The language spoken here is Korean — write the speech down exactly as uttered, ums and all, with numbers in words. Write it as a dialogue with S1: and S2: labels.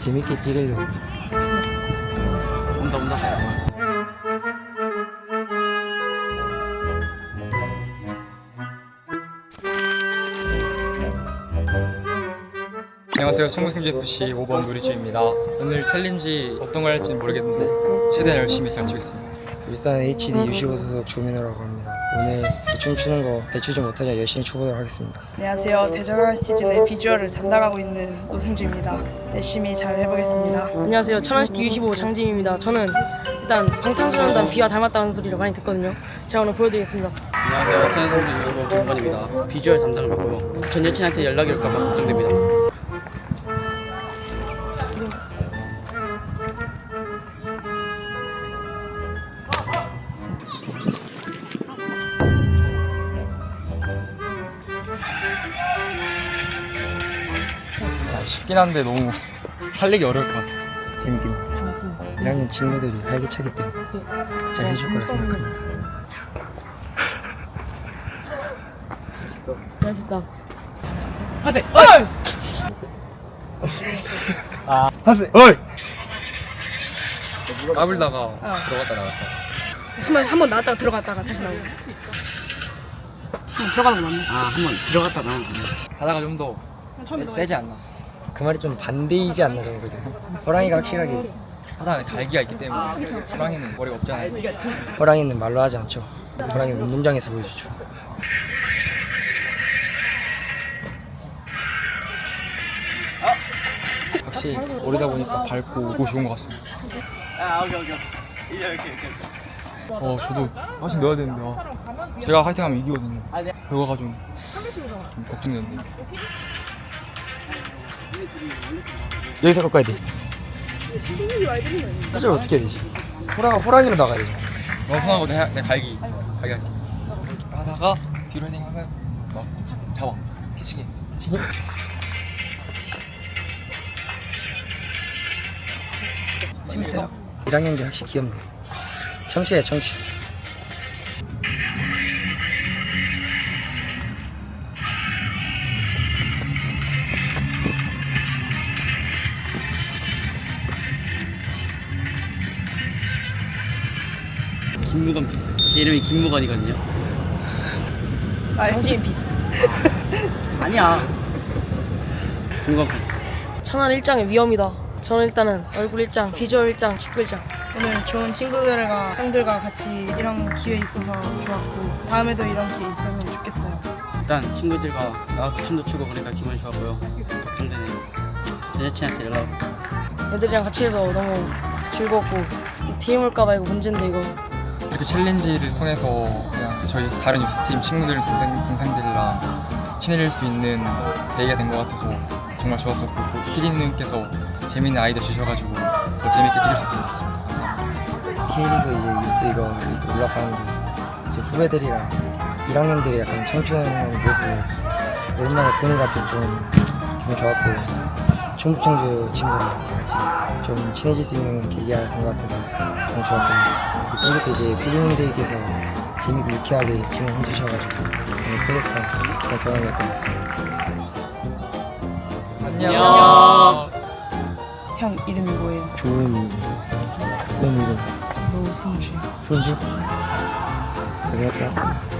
S1: 재밌게 찍으려고.
S2: 온다 온다.
S3: 안녕하세요. 청국생제에프씨 오 번 노리주입니다. 오늘 챌린지 어떤 걸 할지는 모르겠는데 최대한 열심히 잘 치겠습니다.
S1: 울산 에이치디 유십오 소속 조민호라고 합니다. 오늘 대충 추는 거 배추 좀 못하냐 열심히 쳐보도록 하겠습니다.
S4: 안녕하세요. 대전월 시즌의 비주얼을 담당하고 있는 노승주입니다. 열심히 잘 해보겠습니다.
S5: 안녕하세요. 천안시티 유십오 장지임입니다. 저는 일단 방탄소년단 비와 닮았다는 소리를 많이 듣거든요. 제가 오늘 보여드리겠습니다.
S2: 안녕하세요. 천안시티 유십오 김건입니다. 비주얼 담당을 맡고요. 전 여친한테 연락이 올까봐 걱정됩니다.
S3: 쉽긴 한데 너무 살리기 어려울 것 같아요.
S1: 재밌긴 해. 일 학년 친구들이 활기차기 때문에 잘 해줄 거라 생각합니다.
S5: 맛있다.
S3: 하세! 어이! 아, 하세! 어이! 까불다가 들어갔다 나갔다.
S4: 한번 한번 나왔다가 들어갔다가 다시 나오고. 한번 들어가는 거 맞네.
S2: 아 한번 들어갔다 나온 거.
S3: 하다가 좀 더 세지 않나.
S1: 그 말이 좀 반대이지 않나 저는 그래도. 호랑이가 확실하게
S3: 하다가 갈기가 있기 때문에 호랑이는 머리가 없잖아요.
S1: 호랑이는 말로 하지 않죠. 호랑이는 운동장에서 보여주죠.
S3: 확실히 오르다 보니까 밝고 오고 좋은 것 같습니다.
S2: 아 오케이 오케이. 이렇게 이렇게.
S3: 어, 저도 화이팅 넣어야 되는데 아, 제가 화이팅하면 이기거든요. 결과가 좀, 좀 걱정되는데.
S1: 여기서 꺾어야 돼. 사실 어떻게 해야 되지? 호랑이, 호랑이로 나가야 돼.
S3: 너무 편하거든. 내, 내 갈기 갈기 할게. 하다가 뒤로 헤딩하면 막 잡아 캐치기 캐치기.
S1: 재밌어요. 일 학년들 확실히 귀엽네. 청취야 청취.
S2: 김무건 피스. 제 이름이 김무건이거든요.
S5: 장지임 피스.
S2: 아니야. 김무건 피스.
S5: 천안 일장의 위험이다. 저는 일단은 얼굴 일장, 비주얼 일장, 축구 일장.
S4: 오늘 좋은 친구들과 형들과 같이 이런 기회 있어서 좋았고 다음에도 이런 기회 있으면 좋겠어요.
S2: 일단 친구들과 나가서 춤도 추고 그러니까 기분이 좋았고요. 걱정되네요. 전 여친한테 연락.
S5: 애들이랑 같이 해서 너무 즐겁고 팀 올까봐 이거 문제인데 이거.
S3: 이렇게 챌린지를 통해서 그냥 저희 다른 유스팀 친구들 동생, 동생들이랑 친해질 수 있는 계기가 된 것 같아서 정말 좋았었고 또 피디님께서 재밌는 아이디어 주셔가지고 더 재밌게 찍을 수 있게 됐습니다.
S1: K리그 이제 뉴스 이거 뉴스 올라가는데 이제 후배들이랑 일 학년들이 약간 청춘하는 모습을 오랜만에 보는 것 같아서 좀 기분 좋았고 충북청주 친구랑 같이 좀 친해질 수 있는 계기가 된 것 같아서 너무 좋았고 이렇게 이제 피디님들께서 재밌고 유쾌하게 진행해 주셔가지고 오늘 프로젝트 그런 경험이었던 것 같습니다.
S3: 안녕.
S4: 형 이름이 뭐예요?
S1: 좋은 이름 이름
S4: 노승주.
S1: 손주 고생했어.